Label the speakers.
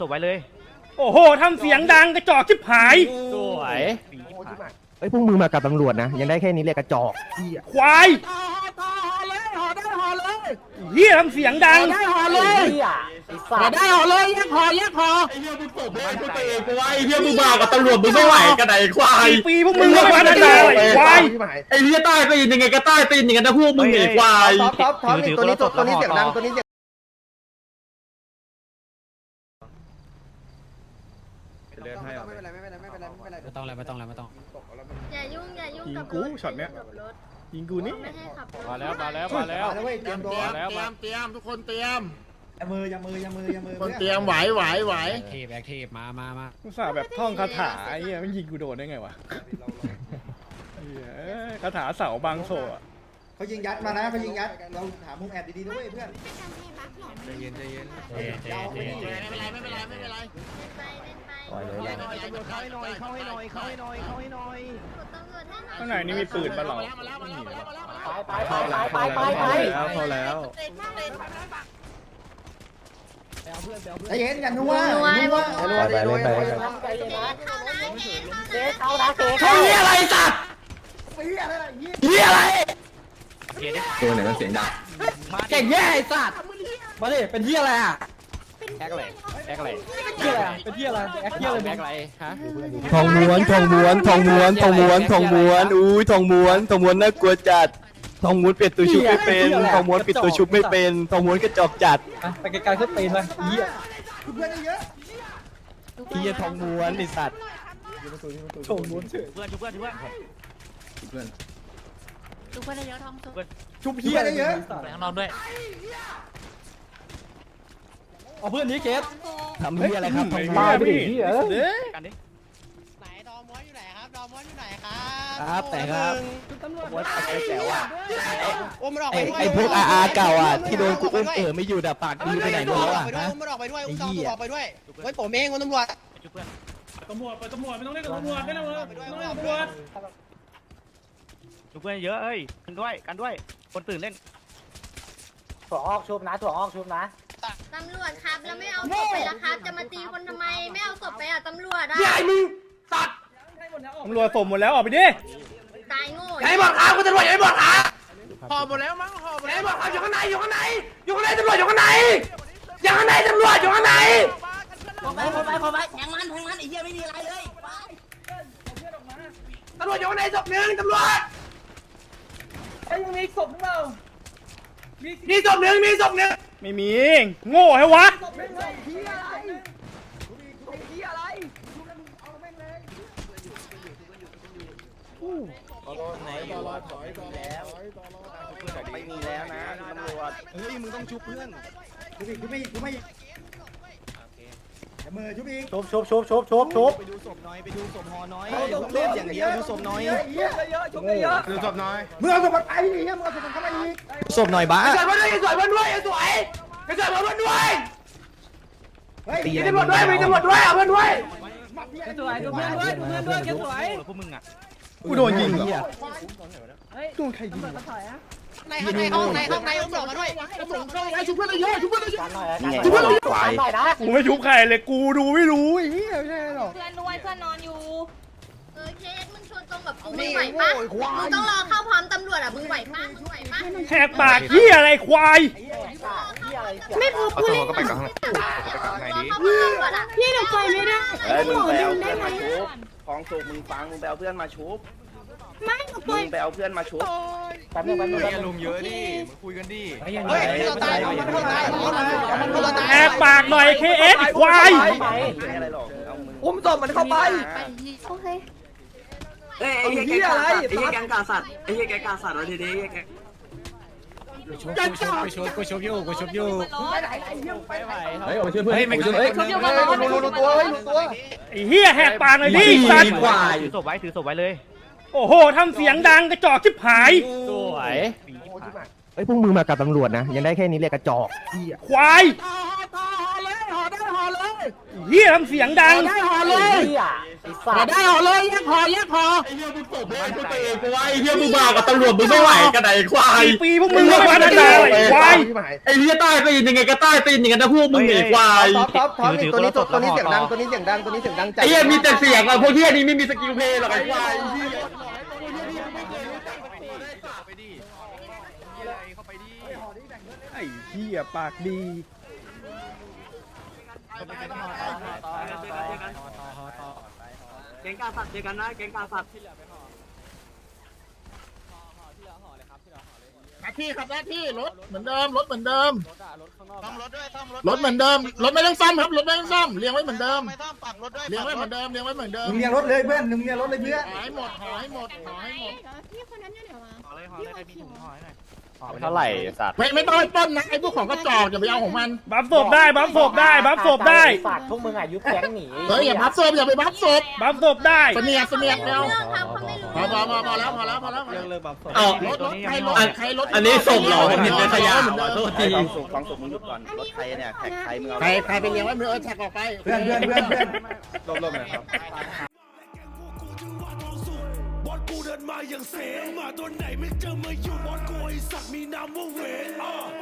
Speaker 1: จบไว้เลย
Speaker 2: โอ้โหทำเสียงดังกระจอกชิบหาย
Speaker 1: สวย
Speaker 3: เอ้ยพวกมึงมากับตำรวจนะยังได้แค่นี้เรียกกระจอก
Speaker 2: ควายเฮียทำเสียงดัง
Speaker 4: ห่อได้ห่อเลยแยกห่อแยกห่อ
Speaker 5: ไอ้เหี้ยมึงตบแม่งตัวเองกูว่าไอ้เหี้ยมึงมากับตำรวจมึงไม่ไหวกันไหนควาย
Speaker 2: กี่ปีพวกมึงไม่พัฒนาเลยควาย
Speaker 5: ไอ้เหี้ยใต้ตีนยังไงก็ใต้ตีนอย่างนั้นนะพวกมึงไอ้ควาย
Speaker 1: ท็อปตัวนี้เสียงดังตัวนี้
Speaker 4: ไม่ต้องไม่ต้อง
Speaker 6: อย่ายุ่งกับ
Speaker 2: ยิงกูช็อตเนี้ย ยิงกูนี่
Speaker 6: ไม่ให้ขับรถ
Speaker 1: มาแล้ว
Speaker 4: เตรียมทุกคนเตรียมคนเตรียมไหวแอคทีฟมา
Speaker 2: กูสาแบบท่องคาถาไอ้เหี้ยมันยิงกูโดนได้ไงวะเหี้ยคาถาเสาบางโซอะ
Speaker 7: เขายิงยัดมานะเขายิงยัดเราหามุมแอบดีๆด้วยเพื่อน
Speaker 4: ไม่เป็นไร
Speaker 6: เล่นไปเล่นไป
Speaker 3: ปล่อยเลย
Speaker 4: เข้าให้หน่อยเข้าให้หน่อย
Speaker 6: กดตำรวจให้หน่อย
Speaker 2: ข้างในนี่มีปืนปะเรา
Speaker 3: เข้าแล้ว
Speaker 7: ใจเย็นกันนัว
Speaker 3: ไปเล่นไปเล่น
Speaker 6: เข้านะเจ๊
Speaker 4: เฮ้ยอะไรสัตว์เฮียอะไร
Speaker 5: ตัวไหนมันเสียงดัง
Speaker 4: เก่งแย่ไอ้สัตว์มาดิเป็นเฮียอะไรอ่ะ
Speaker 1: แอคอะไรแอคอะไร
Speaker 4: เฮียอะไรเป็นเฮียอะไรแอคเฮียอะไร
Speaker 1: แอคอะไรฮะ
Speaker 3: ทองม้วนอุ้ยทองม้วนน่ากลัวจัดทองม้วนเปลี่ยนตัวชุบไม่เป็นทองม้วนปิดตัวชุบไม่เป็นทองม้วนกระจอกจัด
Speaker 4: ไปไกลๆขึ้นตีนเลยเฮีย
Speaker 7: เพื่อนเยอะ
Speaker 3: เฮียทองม้วนไอสัตว์
Speaker 4: โฉมม้วนเฉย
Speaker 1: เพื่อนชุบเพื่อน
Speaker 6: ทุกคนเยอะทองสุก
Speaker 4: ชุบเฮียเยอะ
Speaker 1: ไปข้างนอกด้วย
Speaker 4: เอาเพื่อนนี้เกส
Speaker 3: ทำเฮียอะไรครับทองม้
Speaker 2: บ้า
Speaker 3: วน
Speaker 2: ไปดิเด้อ
Speaker 1: กันดิ
Speaker 4: ไหนดอมม้วนอยู่ไหนครับดอมม้วนอยู่ไหนครับ
Speaker 3: ครับแต่ครับม้วนไอ้แจ๋วอ่ะ
Speaker 4: อุ้มมันออกไปด้วย
Speaker 3: ไอ้พวกอาเก่าอ่ะที่โดนกูอุ้มไม่อยู่ดับปากดีไปไหนหมดแล้วอ่ะ
Speaker 4: อุ้มมันออกไปด้วยอุ้มตำรวจออกไปด้วยไว้ผมเองคุณตำรวจ
Speaker 1: ชุบเพื่อน
Speaker 2: ตำรวจไม่ต้องเล่นกับตำรวจไม่ต้องเล่นกับตำรวจ
Speaker 1: ชุบเพื่อนเยอะเอ้ยกันด้วยคนตื่นเล่น
Speaker 6: ตำรวจครับแล้วไม่เอาศพไปละครับจะมาตีคนทำไมไม่เอาศพไปอ่ะตำรวจอ่ะ
Speaker 4: ใหญ่มึงสัตว์
Speaker 2: ตำรวจส่งหมดแล้วออกไปดิ
Speaker 6: ตายโง่
Speaker 4: ใหญ่บอกขาคุณตำรวจใหญ่บอกขาห่อหมดแล้วมั้งห่อหมดแล้วบอกขาอยู่ข้างในตำรวจอยู่ข้างในตำรวจอยู่ข้างในแทงมันไอ้เหี้ยไม่มีอะไรเลยตำรวจอยู่ข้างในศพหนึ่งตำรวจยังมีศพหรือเปล่ามีศพหนึ่ง
Speaker 2: ไม่มีโง่ให้วะ
Speaker 3: ไม่มีแล้วนะตำรวจเฮ้ยมึงต้องชุบเพื่อน
Speaker 7: ชุบอีกชุบไม่มือชุบอีก
Speaker 3: ไปดูศพน้อยไปดูศพฮอน้อยเล่นอย่างเดียวดูศพน้อย
Speaker 5: ดูศพน้อย
Speaker 7: มึงเอาสมบัติไปดิมึงเอาสมบัติเข้ามาอีก
Speaker 3: ศพหน่อยบ้า
Speaker 4: สวยด้วยสวยด้วยสวยด้วย
Speaker 7: เฮ้ย
Speaker 4: มีตำรวจด้วยเอาเพื่อนด้วย
Speaker 1: พวกมึงอ่ะ
Speaker 2: กูโดนยิงเหรอโดนใครยิง
Speaker 4: ในห้องอุ้มหลอกมาด้วยชุบเพื่อนเยอะ
Speaker 3: ควาย
Speaker 2: กูไม่ชุบใครเลยกูดูไม่รู้ไอ้เหี้ยไม่ใช่หรอก
Speaker 6: เพื่อนนอนอยู่เคสมึงชนตรงกับกูมึงไหวปะมึงต้องรอเข้าพร้อมตำรวจอ่ะมึงไหวปะ
Speaker 2: แหกปากเหี้ยอะไรควาย
Speaker 6: ไม่พูดกูเล่นก็ไปกับข้างในดิพี่เดี๋ยวไปไม่ได้
Speaker 3: มึงไปเอาเพื่อนมาชุบของสูบมึงฟังมึงไปเอาเพื่อนมาชุบ
Speaker 6: ไม่ก็ป
Speaker 3: มึ
Speaker 6: ล่อย
Speaker 3: งไปเอาเพื่อนมาชุบ
Speaker 5: ลุงเยอะดิมาคุยกันดิ
Speaker 4: เราตายเราตาย
Speaker 2: แหกปากหน่อยเคเอสควาย
Speaker 3: ไม่อะไรหรอกเอามึง
Speaker 4: อุ้มศพมันเข้าไป
Speaker 6: โอเค
Speaker 4: ไอ้เหี้ยอะไร
Speaker 8: ไอ้เหี้ยแกงกาสัตว์ไอ้เหี้ยแกงกาสัตว์เราทีนี้แก
Speaker 4: กูชุบอยู่
Speaker 5: เฮ้ยมาช่วยเพื่อนไม่ช่วย
Speaker 4: รู้ตัว
Speaker 2: ไอ้เหี้ยแหกปากหน่อยดิสัตว์
Speaker 1: ถือศพไว้เลย
Speaker 2: โอ้โหทำเสียงดังกระจอกชิบหาย
Speaker 1: สวย
Speaker 3: เฮ้ยพวกมึงมากับตำรวจนะยังได้แค่นี้เรียกกระจอก
Speaker 2: ควาย
Speaker 4: ห่อเลย
Speaker 2: เหี้ยทำเสียงดัง
Speaker 4: ห่อเลยได้ห่อเลยแยกห่อแยกห่อ
Speaker 5: ไอ้เหี้ยมึงตบแม่งกูเตะกูไอ้เหี้ยมึงมากับตำรวจมึงไม่ไหวกันไหนควาย
Speaker 2: 4 ปีพวกมึงไม่มาตั้งแต่ไอ้ควาย
Speaker 5: ไอ้เหี้ยใต้ตีนยังไงก็ใต้ตีนอย่างนั้นนะพวกมึงไอ้ควาย
Speaker 1: ตัวนี้เสียงดังตัวนี้เสียงดัง
Speaker 5: ไอ้เหี้ยมีแต่เสียงอ่ะพวกเหี้ยนี้ไม่มีสกิลเพลย์หรอกไอ้ควาย
Speaker 2: ไอ้เหี้ยปากดี
Speaker 8: แกงกาสัตว์เจอกันนะแกงกาสัตว์
Speaker 4: หน้าที่ครับหน้าที่รถเหมือนเดิมรถเหมือนเดิมรถเหมือนเดิมรถไม่ต้องซ่อมครับรถไม่ต้องซ่อมเลี้ยงไว้เหมือนเดิมเลี้ยงไว้เหมือนเดิมเลี้ยงไว้เหมือนเดิม
Speaker 7: มึงเรียงรถเลยเพื่อนมึงเรียงรถเลยเพื่อน
Speaker 4: หายหมดหายหมดหายหมด
Speaker 6: พี่คนนั้นอยู่ไหนวะ
Speaker 1: ห่อเลยห่อเลยพี่ถุงห่อให้หน่อย
Speaker 3: เท่าไหร่สัตว์
Speaker 4: ไม่ต้องปล้นนะไอ้พวกของกระจอกอย่าไปเอาของมัน
Speaker 2: บัฟศพได้บัฟศพได้บัฟศพได้
Speaker 9: ฝากพวกมึงอายุแก๊งหนี
Speaker 4: เฮ้ยอย่าพับศพอย่าไปพับศพ
Speaker 2: บัฟศพได้
Speaker 4: เสนียดเร็ว
Speaker 6: เรื่องครับเขาไม่รู้
Speaker 4: พอแล้ว
Speaker 5: เอา
Speaker 4: รถใครรถใครรถ
Speaker 5: อันนี้ศพเหรอผมเห็นเป็นขยะว่ะโทษที
Speaker 3: ฟังศพมึงหยุดก่อนรถใครเนี่ยแท็กใครมึงเอา
Speaker 4: ใครไปเลี้ยงไว้มือแท็กออกไป
Speaker 7: เพื่อน
Speaker 3: ลมๆนะครับ
Speaker 10: บอสกูเดินมาอย่างเสมาตัวไหนไม่เจอมาอยู่บอสกูไอสักมีนามว่าเวน